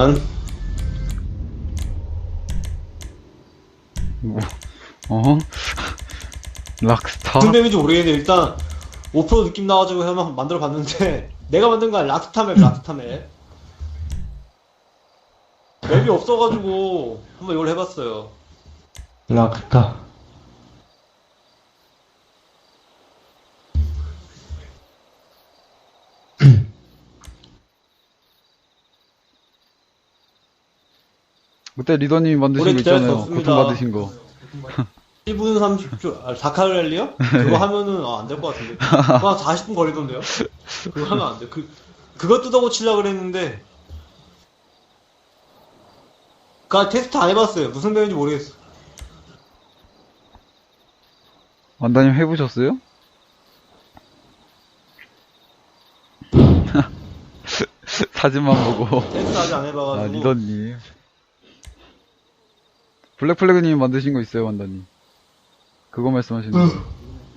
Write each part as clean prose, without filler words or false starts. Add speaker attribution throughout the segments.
Speaker 1: 일단
Speaker 2: 뭐, 어? 락스타?
Speaker 1: 무슨 맵인지 모르겠는데 일단 5% 느낌 나가지고 한번 만들어 봤는데 내가 만든 건 락스타 맵, 락스타 맵. 맵이 없어가지고 한번 이걸 해봤어요.
Speaker 3: 락스타.
Speaker 2: 그때 리더님이 만드신
Speaker 1: 오래
Speaker 2: 거
Speaker 1: 기다릴 수
Speaker 2: 있잖아요.
Speaker 1: 없습니다.
Speaker 2: 고통받으신 거.
Speaker 1: 1분 30초, 다카를랠리요? 그거 하면은, 안 될 것 같은데. 그거 한 40분 걸리던데요? 그거 하면 안 돼. 그거 뜯어 고치려고 그랬는데, 그니까 테스트 안 해봤어요. 무슨 맵인지 모르겠어.
Speaker 2: 완다님 해보셨어요? 사진만 보고.
Speaker 1: 테스트 아직 안
Speaker 2: 아,
Speaker 1: 해봐가지고.
Speaker 2: 리더님. 블랙플래그님이 만드신 거 있어요, 완다님. 그거 말씀하시는 거.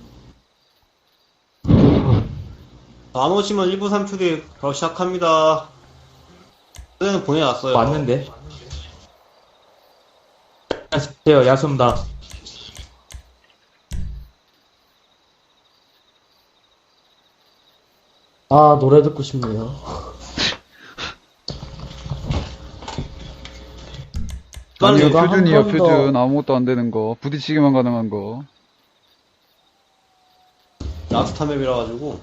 Speaker 1: 안 오시면 1분 3초 뒤에 바로 시작합니다. 그때는 보내놨어요.
Speaker 3: 왔는데? 안녕하세요, 야수입니다.
Speaker 4: 아, 노래 듣고 싶네요.
Speaker 2: 아니요,
Speaker 4: 제가
Speaker 2: 표준이요,
Speaker 4: 한번 더-
Speaker 2: 표준. 아무것도 안 되는 거. 부딪히기만 가능한 거.
Speaker 1: 락스타 맵이라 가지고.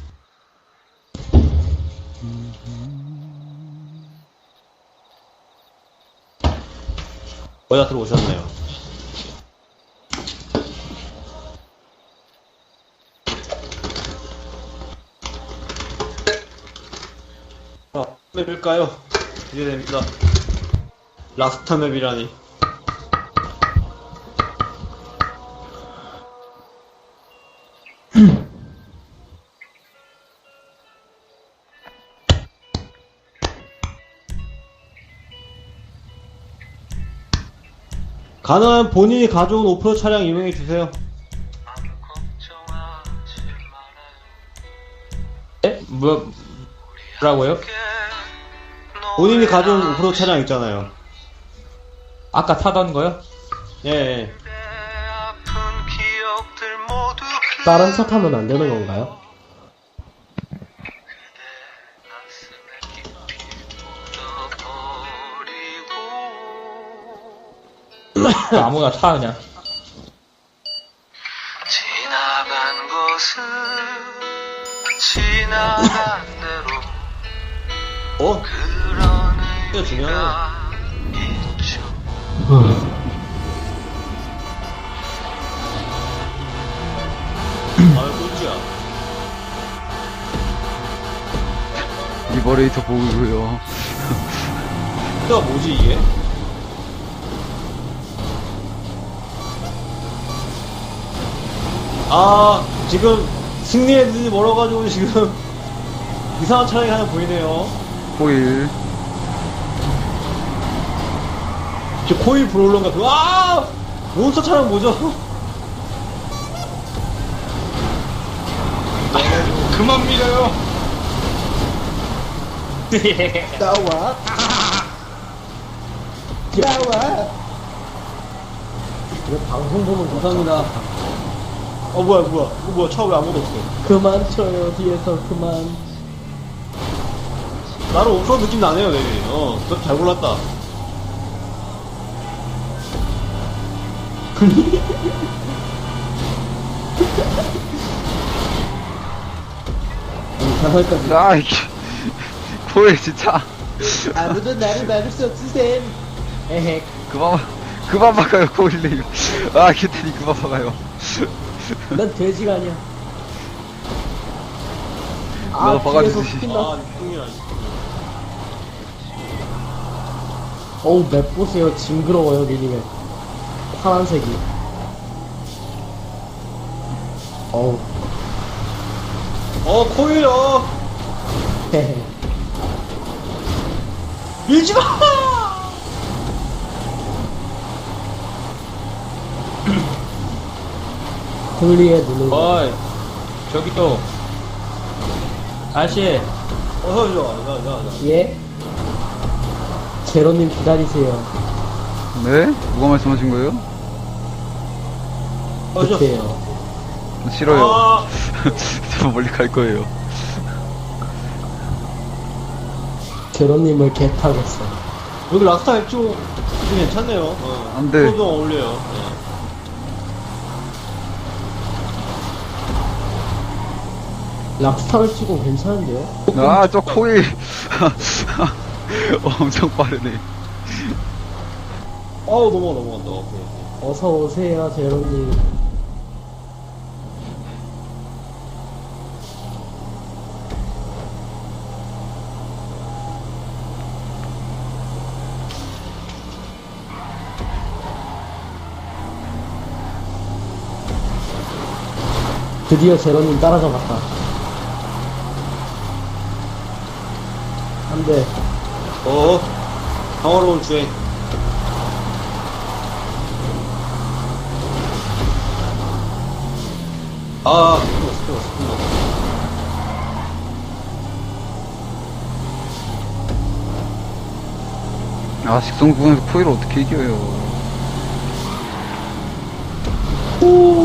Speaker 1: 거의 다 들어오셨네요. 자, 맵일까요? 기대됩니다. 락스타 맵이라니. 가능한 본인이 가져온 오프로 차량 이용해 주세요.
Speaker 3: 네? 뭐라고요?
Speaker 1: 본인이 가져온 오프로 차량 있잖아요.
Speaker 3: 아까 타던 거요?
Speaker 1: 예, 예.
Speaker 4: 다른 차 타면 안 되는 건가요?
Speaker 3: 아무나 타, 그냥.
Speaker 5: 지나간 것은 지나간 대로
Speaker 1: 어?
Speaker 5: 그런
Speaker 1: 진짜 중요해.
Speaker 5: 의미가 있죠.
Speaker 1: 아, 꼴찌야.
Speaker 2: 리버레이터 보고요.
Speaker 1: 이가 뭐지, 이게? 아, 지금 승리 애들이 멀어가지고 지금 이상한 차량이 하나 보이네요.
Speaker 2: 호일.
Speaker 1: 저 코일 브롤러인가 그거. 아! 몬스터 차량 뭐죠?
Speaker 5: 그만 밀어요.
Speaker 4: 나와. 나와. 이거 방송 보면
Speaker 1: 감사합니다. 뭐야, 뭐야. 이거 뭐야, 차 왜 아무도 없어.
Speaker 4: 그만 쳐요, 뒤에서 그만.
Speaker 1: 나는 오프로 느낌 나네요, 맵이. 그것도 잘 골랐다.
Speaker 4: 자살까지.
Speaker 2: 아, 이게. 호일 진짜.
Speaker 4: 아무도 나를 막을 수 없으셈. 에헤.
Speaker 2: 그만 박아요, 호일님. 아, 기태니 그만 박아요.
Speaker 4: 난 돼지가 아니야.
Speaker 2: 나도
Speaker 4: 뒤에서
Speaker 2: 바가지듯이.
Speaker 4: 스킨
Speaker 1: 아,
Speaker 4: 나.
Speaker 1: 뚱이야.
Speaker 4: 어우, 맵 보세요. 징그러워요, 미니맵. 파란색이. 어우.
Speaker 1: 코일,
Speaker 4: 헤헤.
Speaker 1: 밀지 마!
Speaker 4: 홀리에 누르고.
Speaker 3: 어이, 저기 또. 아저씨,
Speaker 1: 어서 오죠. 자.
Speaker 4: 예? 제로님 기다리세요.
Speaker 2: 네? 누가 말씀하신 거예요?
Speaker 4: 그때요.
Speaker 2: 싫어요.
Speaker 1: 아,
Speaker 2: 저 멀리 갈 거예요.
Speaker 4: 제로님을 개 타겠어.
Speaker 1: 여기 락스타 액조 괜찮네요.
Speaker 2: 안 돼.
Speaker 1: 좀 어울려요. 네.
Speaker 4: 락스타를 치고 괜찮은데요?
Speaker 2: 아, 저 코일. 엄청 빠르네.
Speaker 1: 넘어간다. 오케이.
Speaker 4: 어서 오세요, 제로님. 드디어 제로님 따라잡았다. 안 돼.
Speaker 1: 평화로운 주행. 끝났어.
Speaker 2: 아, 직선 구간에서 코일을 어떻게 이겨요.
Speaker 4: 오!